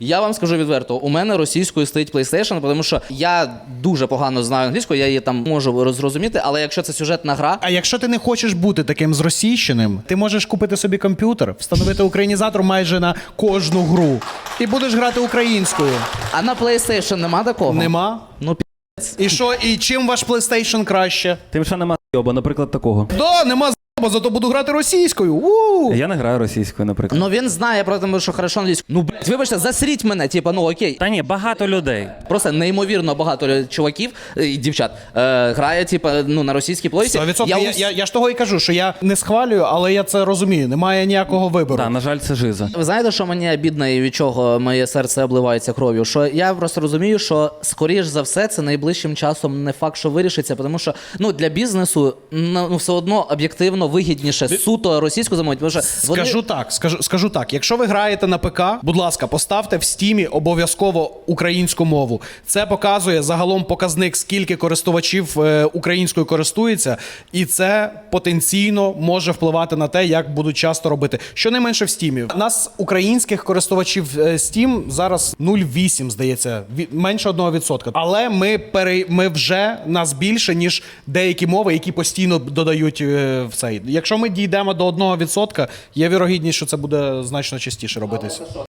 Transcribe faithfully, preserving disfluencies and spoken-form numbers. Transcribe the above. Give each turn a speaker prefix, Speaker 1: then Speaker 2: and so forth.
Speaker 1: Я вам скажу відверто, у мене російською стоїть PlayStation, тому що я дуже погано знаю англійську, я її там можу зрозуміти, але якщо це сюжетна гра...
Speaker 2: А якщо ти не хочеш бути таким зросійщеним, ти можеш купити собі комп'ютер, встановити українізатор майже на кожну гру і будеш грати українською.
Speaker 1: А на PlayStation нема такого?
Speaker 2: Нема?
Speaker 1: Ну, пі***.
Speaker 2: І що, і чим ваш PlayStation краще?
Speaker 3: Тим, що нема з***йоба, наприклад, такого.
Speaker 2: Да, нема з***ба, зато буду грати російською. У!
Speaker 3: Я не граю російською, наприклад.
Speaker 1: Ну він знає про те, що хорошо англійською. Ну, блядь, вибачте, засріть мене, типа, ну окей.
Speaker 3: Та ні, багато людей.
Speaker 1: Просто неймовірно багато чуваків і дівчат е, грає, типа, ну, на російській плойці.
Speaker 2: сто відсотків.
Speaker 1: Я,
Speaker 2: Я,
Speaker 1: ус-
Speaker 2: я, я ж того і кажу, що я не схвалюю, але я це розумію. Немає ніякого вибору.
Speaker 3: Так, на жаль, це жиза.
Speaker 1: Ви знаєте, що мені обідно і від чого моє серце обливається кров'ю? Що я просто розумію, що скоріш за все це найближчим часом не факт, що вирішиться, тому що ну для бізнесу ну ну, все одно об'єктивно вигідніше суто російську замовити. Тому що вони...
Speaker 2: Скажу так, скажу, скажу так. Якщо ви граєте на ПК, будь ласка, поставте в стімі обов'язково українську мову. Це показує загалом показник, скільки користувачів е, українською користується, і це потенційно може впливати на те, як будуть часто робити. Щонайменше в стімі. У нас українських користувачів е, Steam зараз нуль цілих вісім десятих, здається, від, менше одного відсотка. Але ми пере, ми вже нас більше, ніж деякі мови, які постійно додають е, в цей. Якщо ми дійдемо до одного відсотка, є вірогідність, що це буде значно частіше робитися.